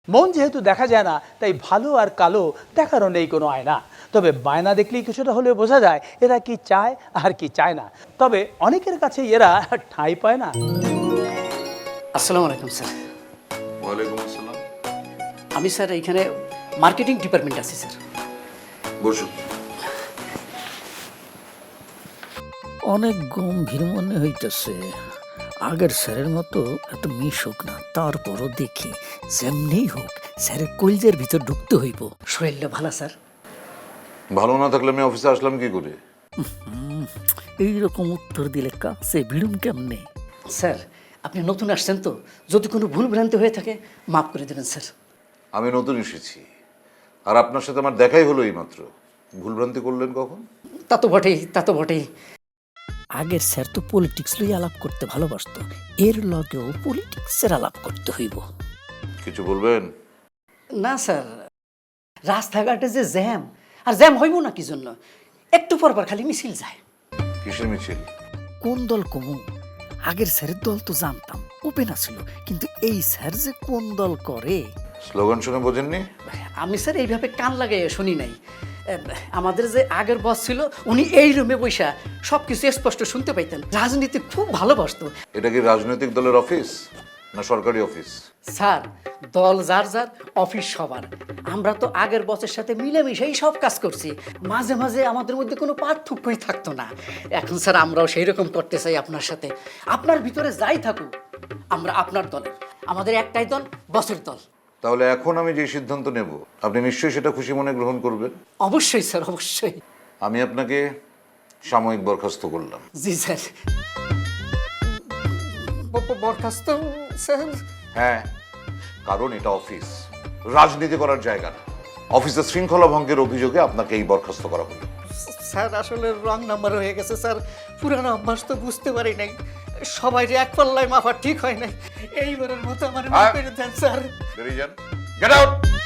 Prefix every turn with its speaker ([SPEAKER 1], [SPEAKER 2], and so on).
[SPEAKER 1] মন যেহেতু দেখা যায় না, তাই ভালো আর কালো দেখারও নেই কোনো আয়না। তবে বায়না দেখলেই কিছুটা হলেও বোঝা যায় এরা কি চায় আর কি চায় না। তবে অনেকের কাছে এরা ঠাঁই পায় না।
[SPEAKER 2] আসসালামু আলাইকুম স্যার।
[SPEAKER 3] ওয়ালাইকুম আসসালাম।
[SPEAKER 2] আমি স্যার এইখানে মার্কেটিং ডিপার্টমেন্ট আছি স্যার।
[SPEAKER 3] বসুন।
[SPEAKER 4] অনেক গম্ভীর মনে হইতেছে। আগের স্যারের মতো এত মিশুক না, তারপরও দেখি যেমনি হোক স্যারের কলজের ভিতর ঢুকতে হইব।
[SPEAKER 2] শরীরটা ভালো স্যার?
[SPEAKER 3] ভালো না থাকলে আমি অফিসে আসলাম কি করে?
[SPEAKER 4] এইরকম উত্তর দিলে কাছে ভিড়ুম কেমনে?
[SPEAKER 2] স্যার আপনি নতুন আসছেন তো, যদি কোনো ভুল ভ্রান্তি হয়ে থাকে মাফ করে দেবেন স্যার।
[SPEAKER 3] আমি নতুন এসেছি, আর আপনার সাথে আমার দেখাই হলো এইমাত্র। ভুলভ্রান্তি করলেন কখন?
[SPEAKER 2] তা তো বটেই, তা তো বটেই।
[SPEAKER 4] আগের স্যার তো পলিটিক্স লই আলাপ করতে ভালোবাসতো, এর লগেও পলিটিক্সের আলাপ করতে হইব।
[SPEAKER 3] কিছু বলবেন?
[SPEAKER 2] না স্যার, রাস্তাঘাটে যে জ্যাম, আর জ্যাম হইব না কি জন্য? একটু পরপর খালি মিছিল যায়।
[SPEAKER 3] কিসের মিছিল?
[SPEAKER 4] কোন দল কমু? আগের স্যারের দল তো জানতাম, ওপেন আছিল, কিন্তু এই স্যার যে কোন দল করে।
[SPEAKER 3] স্লোগান শুনে বোঝেননি?
[SPEAKER 2] আমি স্যার এইভাবে কান লাগাই শুনি নাই। আমাদের যে আগের বস ছিল, উনি এই রুমে বৈশা সব কিছু স্পষ্ট শুনতে পাইতেন। রাজনীতি খুব ভালোবাসতো।
[SPEAKER 3] এটা কি রাজনৈতিক দলের অফিস না সরকারি অফিস?
[SPEAKER 2] স্যার দল যার যার, অফিস সবার। আমরা তো আগের বসের সাথে মিলেমিশেই সব কাজ করছি, মাঝে মাঝে আমাদের মধ্যে কোনো পার্থক্যই থাকতো না। এখন স্যার আমরাও সেই রকম করতে চাই আপনার সাথে। আপনার ভিতরে যাই থাকুক, আমরা আপনার দলের। আমাদের একটাই দল, বসের দল।
[SPEAKER 3] তাহলে এখন আমি যে সিদ্ধান্ত নেব আপনি নিশ্চয়ই সেটা খুশি মনে গ্রহণ করবেন।
[SPEAKER 2] অবশ্যই স্যার, অবশ্যই।
[SPEAKER 3] আমি আপনাকে সাময়িক বরখাস্ত করলাম।
[SPEAKER 2] জি স্যার। বরখাস্ত স্যার?
[SPEAKER 3] হ্যাঁ, কারণ এটা অফিস, রাজনীতি করার জায়গা না। অফিসের শৃঙ্খলা ভঙ্গের অভিযোগে আপনাকে এই বরখাস্ত করা হলো।
[SPEAKER 2] স্যার আসলে রং নাম্বার হয়ে গেছে স্যার, পুরানো অভ্যাস তো বুঝতে পারি নাই। সবাই যে এক পাল্লায় মাফা ঠিক হয় নাই। এইবারের মতো আমার মাফ করে দেন স্যার।
[SPEAKER 3] বেরিয়ে যান। Get out.